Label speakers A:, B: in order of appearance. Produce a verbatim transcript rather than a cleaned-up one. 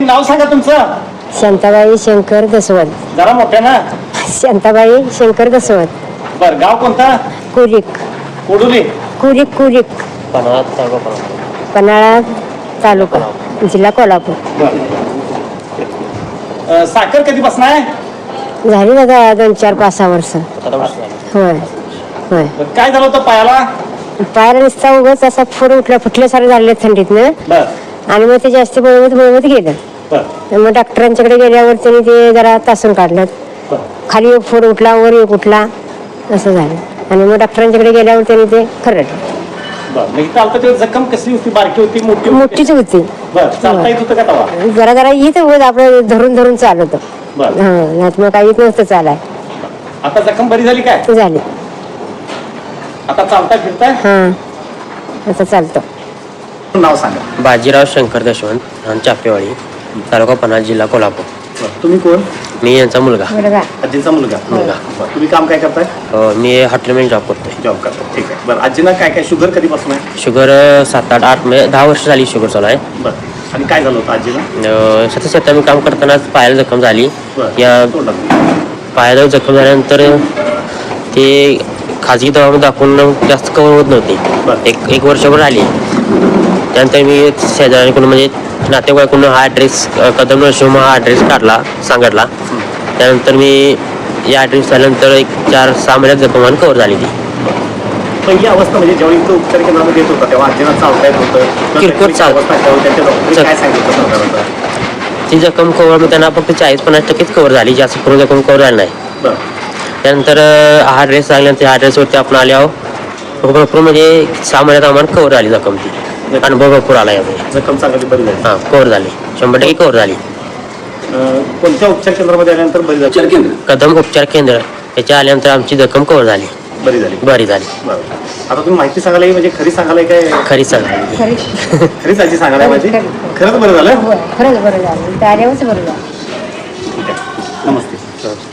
A: नाव सांगा तुमचं.
B: शांताबाई शंकर दसवत.
A: जरा मोठ्या ना.
B: शांताबाई शंकर दसवत.
A: बर गाव कोणता.
B: कुरिक.
A: कोडुली.
B: कुरिक कुरिक. पन्हाळा तालुका जिल्हा कोल्हापूर.
A: बर साखर कधी बसणार.
B: झाली दादा दोन चार पाच सहा वर्ष. होय होय.
A: काय झालं होतं पायाला.
B: पायाला नुसता उगाच असा फोड उठला फुटल्यासारखं झाले थंडीतनं.
A: बर
B: आणि मग ते जास्त बळवत बळवत गेलं.
A: बर
B: मग डॉक्टरांच्याकडे गेल्यावर त्यांनी ते जरा तासून काढलं. खाली एक फोड उठला वर एक उठला असं झालं. आणि मग डॉक्टरांच्याकडे गेल्यावर त्यांनी ते खरडलं.
A: बर जखम कसली होती. बारकी होती मोठी
B: मोठीच होती.
A: बर चालता येत होतं का तवा.
B: जरा जरा येत होत आपलं धरून धरून चालत.
A: बर
B: हा मग काही येत नसतं चालाय.
A: आता जखम बरी झाली काय.
B: झाली.
A: आता चालता फिरताय.
B: हा आता चालतं.
A: नाव सांगा.
C: बाजीराव शंकर दशवंत चापेवाडी तालुका पन्हाळा जिल्हा कोल्हापूर.
A: तुम्ही कोण.
C: मी यांचा मुलगा.
A: आजींचा मुलगा.
C: मुलगा.
A: तुम्ही काम काय करताय.
C: अ, मी हॉटेलमध्ये जॉब करतोय.
A: जॉब करतो. ठीक आहे. बरं आजींना काय काय शुगर कधीपासून आहे.
C: शुगर अ, सात आठ आठ म्हणजे दहा वर्ष झाली शुगर चालू आहे.
A: बरं आणि काय झालं होतं आजीला.
C: अ, सतत सतत मी काम करताना पायाला जखम झाली.
A: बरं.
C: या
A: तोंडात.
C: पायाला जखम झाल्यानंतर ते खाजगी दवाखान्यात दाखवून जास्त कव्हर होत नव्हती.
A: बरं.
C: एक एक वर्षभर आली. त्यानंतर मी शेजाऱ्यांकडून म्हणजे नातेवाईकडून हा ॲड्रेस कदम नरशिंह हा ॲड्रेस काढला सांगितला. त्यानंतर मी या ॲड्रेस झाल्यानंतर एक चार सहा महिन्यात जखमान कव्हर झाली ती.
A: पहिली अवस्था म्हणजे जेव्हा इथं उपचार केंद्रामध्ये येत होता तेव्हा आजीला चालता येत होतं.
C: किरकोळ चाल-
A: अवस्था तेव्हा त्यांच्या डॉक्टरने काय सांगितलं होतं.
C: ती जखम कव्हर मग त्यांना फक्त चाळीस पन्नास टक्केच कव्हर झाली. जास्त करून जखम कव्हर झाली नाही.
A: बरं
C: त्यानंतर हा ड्रेस सांगल्यानंतर ह्या ड्रेसवरती आपण आल्यावर भरपूर म्हणजे सहा महिन्यात आम्हाला कव्हर झाली जखम ती. अनुभव भरपूर आला यामध्ये.
A: जखम चांगली बरी झाली.
C: हां कव्हर झाली शंभर टक्के कव्हर झाली.
A: अं, कोणत्या उपचार केंद्रामध्ये आल्यानंतर बरी झाली.
C: कदम उपचार केंद्र याच्या आल्यानंतर आमची जखम कव्हर झाली.
A: बरी झाली.
C: बरी झाली.
A: बरं आता तुम्ही माहिती सांगायला म्हणजे खरी सांगायला काय.
C: खरी सांगायला
A: खरीच आजी सांगायला माझी. खरंच बरं झालं.
B: खरंच बरं झालं. त्या आल्यावरच बरं झालं.
A: ठीक आहे. नमस्ते.